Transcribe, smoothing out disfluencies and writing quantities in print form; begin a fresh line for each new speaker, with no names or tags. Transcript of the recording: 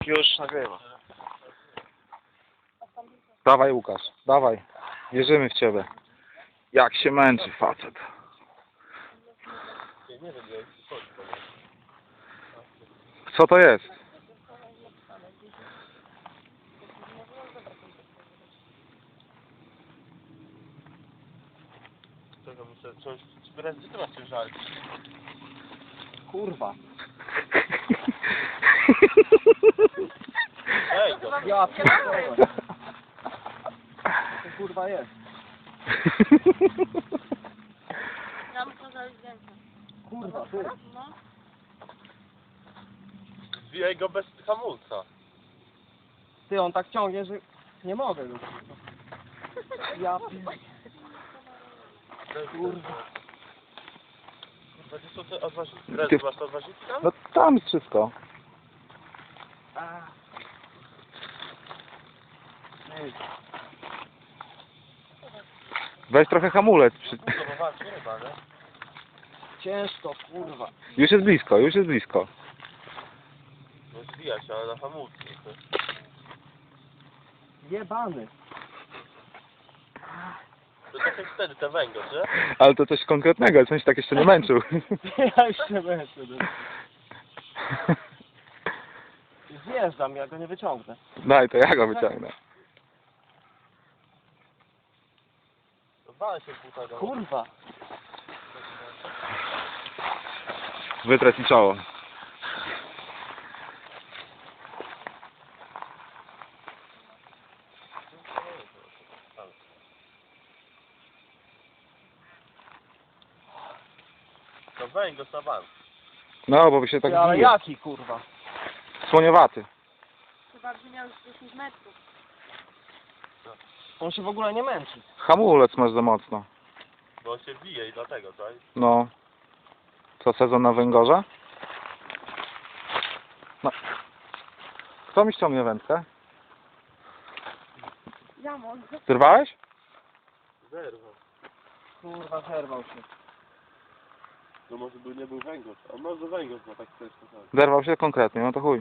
Już nagrywa.
Dawaj Łukasz, dawaj. Wierzymy w ciebie. Jak się męczy facet. Co to jest?
Czego muszę coś... Gdzie ty masz ciężar?
Kurwa.
Ej, go.
Ja pierdolę. Co to kurwa jest?
Ja muszę zrobić zdjęcie.
Kurwa, ty.
No.
Zbijaj go bez hamulca.
Ty, on tak ciągnie, że nie mogę już. Ja pierdolę.
Kurwa. Gdzie są te odważniki? Red, masz te odważniki tam?
No tam jest wszystko.
Ej,
Weź trochę hamulec.
No to walczy ryba, nie?
ciężko, kurwa.
Już jest blisko, już jest blisko.
No zbija się, ale na hamulcu.
Jebany.
To tak jak wtedy, te węgorz, nie?
Ale to coś konkretnego, coś tak jeszcze nie męczył.
Ja już się męczę. Zjeżdżam, ja go nie wyciągnę.
Daj, to ja go wyciągnę.
Wale się buta do...
Kurwa.
Wytrać mi czoło.
To węgorz na bank.
No, bo by się tak
Ty, ale
zbije.
jaki kurwa?
Słoniowaty.
Chyba by miał już 10 metrów.
On się w ogóle nie męczy.
Hamulec masz za mocno.
Bo on się bije i dlatego, tak?
No. Co, sezon na węgorza? No. Kto mi ściągnie wędkę?
Ja mogę.
Zerwałeś?
Zerwał.
Kurwa, zerwał się.
No może by nie był węgorz, a może węgorz ma tak też.
Zerwał się konkretnie, no to chuj.